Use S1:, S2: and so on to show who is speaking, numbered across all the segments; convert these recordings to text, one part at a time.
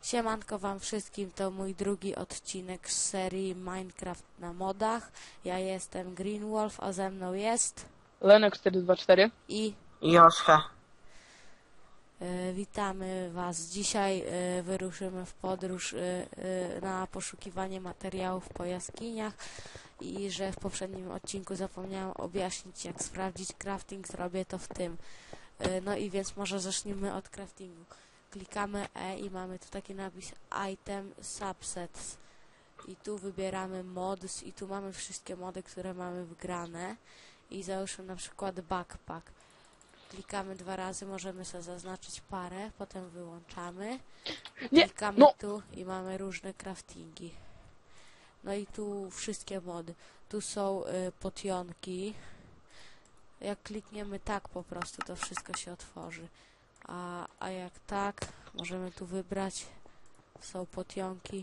S1: Siemanko wam wszystkim, to mój drugi odcinek z serii Minecraft na modach. Ja jestem Greenwolf, a ze mną jest...
S2: Lenek424
S1: i...
S3: Joszka.
S1: Witamy was. Dzisiaj wyruszymy w podróż na poszukiwanie materiałów po jaskiniach i że w poprzednim odcinku zapomniałam objaśnić, jak sprawdzić crafting, zrobię to w tym. No i więc może zacznijmy od craftingu. Klikamy E i mamy tu taki napis Item Subsets i tu wybieramy Mods i tu mamy wszystkie mody, które mamy wgrane i załóżmy na przykład Backpack. Klikamy 2 razy, możemy sobie zaznaczyć parę, potem wyłączamy. Klikamy tu i mamy różne craftingi. No i tu wszystkie mody. Tu są potionki. Jak klikniemy tak po prostu, to wszystko się otworzy. A jak tak, możemy tu wybrać. Są potionki.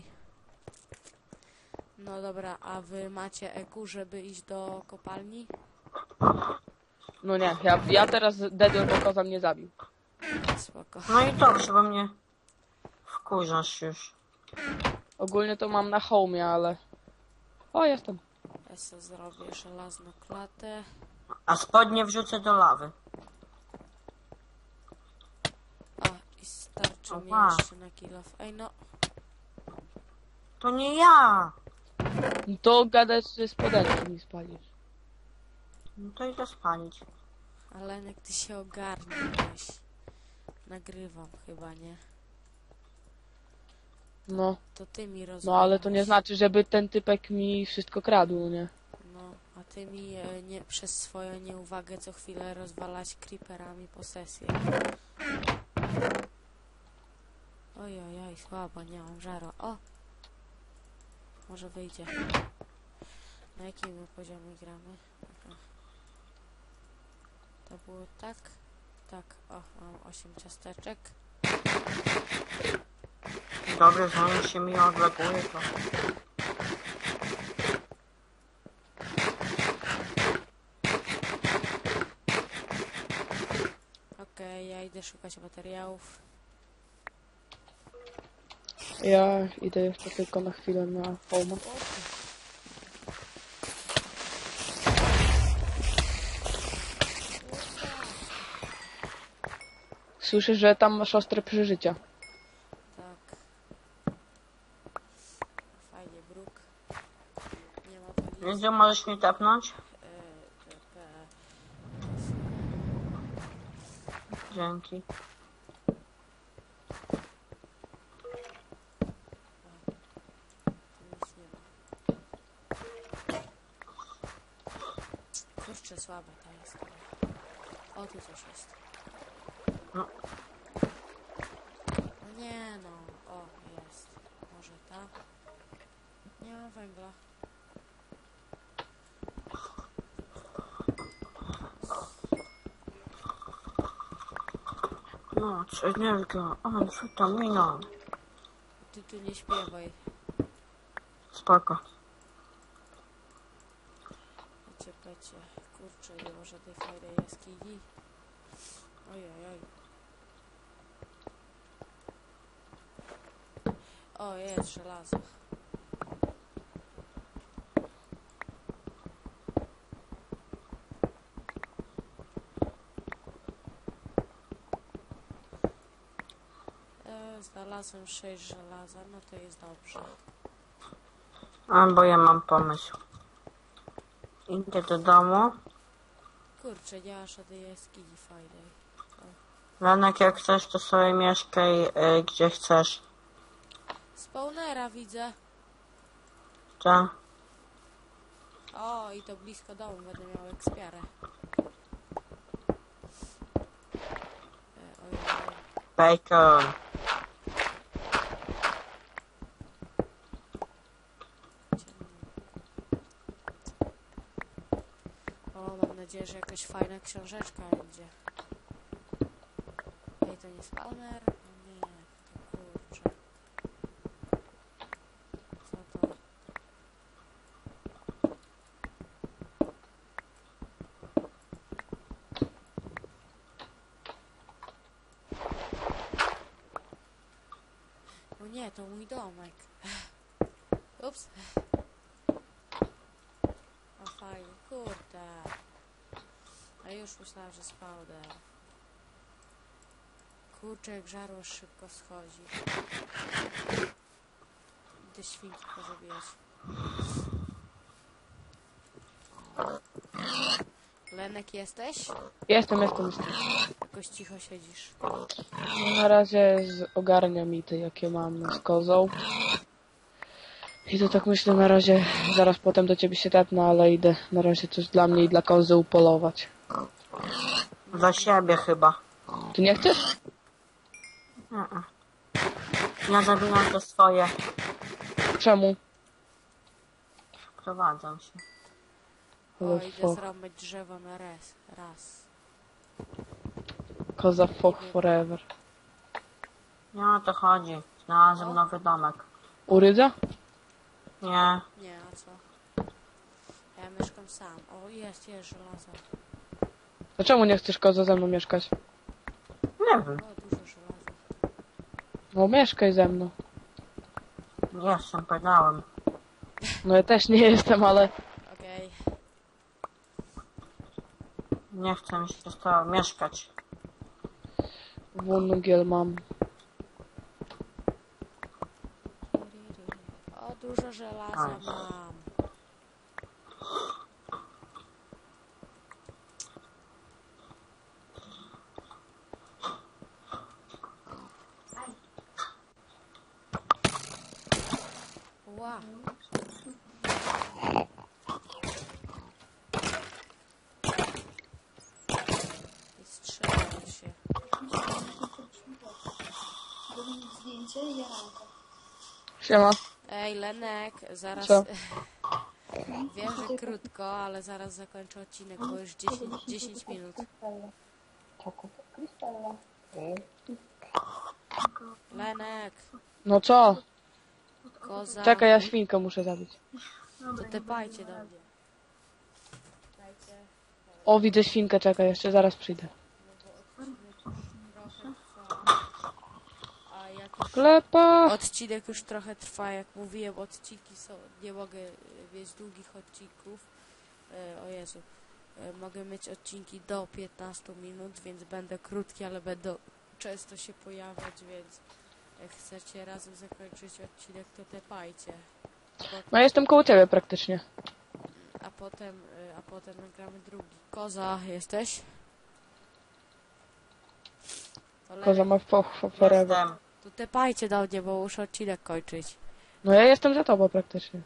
S1: No dobra, a wy macie EQ, żeby iść do kopalni?
S2: No nie, ja teraz dedłem, bo koza mnie zabił.
S1: Spoko.
S3: No i dobrze, bo mnie wkurzasz już.
S2: Ogólnie to mam na home, ale... O, jestem.
S1: Ja sobie zrobię żelazną klatę.
S3: A spodnie wrzucę do lawy.
S1: O, i starczy mi
S3: Opa.
S1: jeszcze na kill off. Ej no,
S3: To nie ja!
S2: No to gadać, że spodenki mi spalisz.
S3: No to idę spalić.
S1: ale jak ty się ogarniesz. Nagrywam chyba, nie?
S2: No,
S1: To ty mi rozumiesz.
S2: no ale to nie znaczy, żeby ten typek mi wszystko kradł, no nie?
S1: No, a ty mi nie, przez swoją nieuwagę co chwilę rozwalać creeperami posesję. Ojojoj, słabo, nie mam żaru. O! Może wyjdzie. Na jakim my poziomie gramy? Aha. To było tak? Tak, o, mam 8 ciasteczek.
S3: Dobrze, zanim się mi odleguje, to...
S1: Okej, ja idę szukać materiałów.
S2: Ja idę jeszcze tylko na chwilę na home. Słyszę, że tam masz ostre przeżycia.
S1: Tak. Fajnie, bruk. Nie ma tu nic.
S3: Gdzie możesz mi tepnąć?
S1: TP.
S3: Dzięki.
S1: Tu nic nie ma. Kurczę, słabe to jest. O, tu coś jest.
S3: No.
S1: No nie no. O, jest. Może ta. Nie ma węgla.
S3: No, energia. O, witamina.
S1: Ty tu nie śpiewaj.
S3: Spoko.
S1: Pecie. Kurczę, nie ma żadnej fajnej jaskini. Ojojoj. O, jest żelazo. Znalazłem 6 żelaza, no to jest dobrze.
S3: A, bo ja mam pomysł. Idę do domu.
S1: Kurczę, nie ma żadnej jaskini fajnej.
S3: Lenek, jak chcesz, to sobie mieszkaj gdzie chcesz.
S1: Spawnera widzę.
S3: Tak?
S1: O, i to blisko domu, będę miał ekspiarę. Ojej.
S3: Bacon.
S1: O, mam nadzieję, że jakaś fajna książeczka będzie. Ej, to nie spawner? O nie, to kurczę. Co to? O O nie, to mój domek. Ups. O fajnie, kurde. A już myślałam, że spawner. Kurczę, jak żarło szybko schodzi. Idę świnki pozabijać. Lenek, jesteś?
S2: Jestem.
S1: Jakoś cicho siedzisz.
S2: Na razie ogarniam ity, jakie mam z kozą. I to tak myślę, na razie, zaraz potem do ciebie się tepnę, ale idę na razie coś dla mnie i dla kozy upolować.
S3: Dla siebie chyba.
S2: Ty nie chcesz?
S3: Ja zabijam te swoje.
S2: Czemu?
S3: Wprowadzam się.
S1: O,
S2: Ale
S1: idę
S2: fuck.
S1: zrąbać drzewo na raz.
S2: Koza fuck forever.
S3: Nie o to chodzi. Znalazłem nowy domek.
S2: U Rydza?
S3: Nie.
S1: Nie, a co? Ja mieszkam sam. O, jest żelazo.
S2: Dlaczego nie chcesz koza ze mną mieszkać?
S3: Nie wiem.
S1: O, dużo żelaza.
S2: No mieszkaj ze mną.
S3: Nie jestem, powiedziałem.
S2: No ja też nie jestem, ale...
S1: Okej.
S3: Nie chcę mi się z tobą mieszkać.
S2: Wungiel mam.
S1: O, dużo żelaza
S3: Nice.
S1: mam. Ła. I strzelają się.
S4: Zdjęcie i jaranko.
S2: Siema.
S1: Ej, Lenek, zaraz...
S2: Co?
S1: Wiem, że krótko, ale zaraz zakończę odcinek, bo już 10 minut. Lenek,
S2: No co?
S1: koza,
S2: Czekaj, ja świnkę muszę zabić.
S1: to tepajcie do mnie. Dajcie
S2: O, widzę świnkę, czekaj, jeszcze zaraz przyjdę.
S1: trochę trwa. A jak już
S2: Klepa!
S1: odcinek już trochę trwa, jak mówiłem, odcinki są, nie mogę mieć długich odcinków. O Jezu. Mogę mieć odcinki do 15 minut, więc będę krótki, ale będą często się pojawiać, więc jak chcecie razem zakończyć odcinek, to tepajcie.
S2: No jestem koło ciebie praktycznie.
S1: A potem nagramy drugi. Koza, jesteś? To
S2: Koza
S1: Lenek,
S2: ma forever.
S3: Jestem.
S1: to tepajcie do mnie, bo muszę odcinek kończyć.
S2: No ja jestem za tobą praktycznie.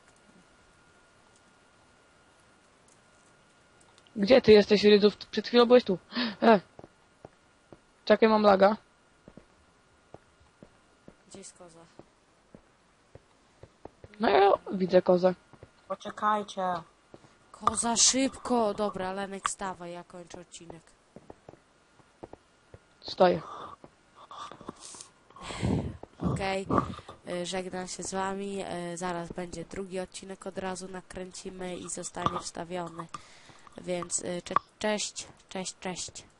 S2: Gdzie ty jesteś, Rydzów? Przed chwilą byłeś tu. Czekaj, mam laga.
S1: Gdzie jest koza?
S2: No ja widzę kozę.
S3: Poczekajcie.
S1: Koza, szybko! Dobra, Lenek, stawaj, ja kończę odcinek.
S2: Stoję.
S1: Okej, żegnam się z wami. Zaraz będzie drugi odcinek, od razu nakręcimy i zostanie wstawiony. Więc cześć.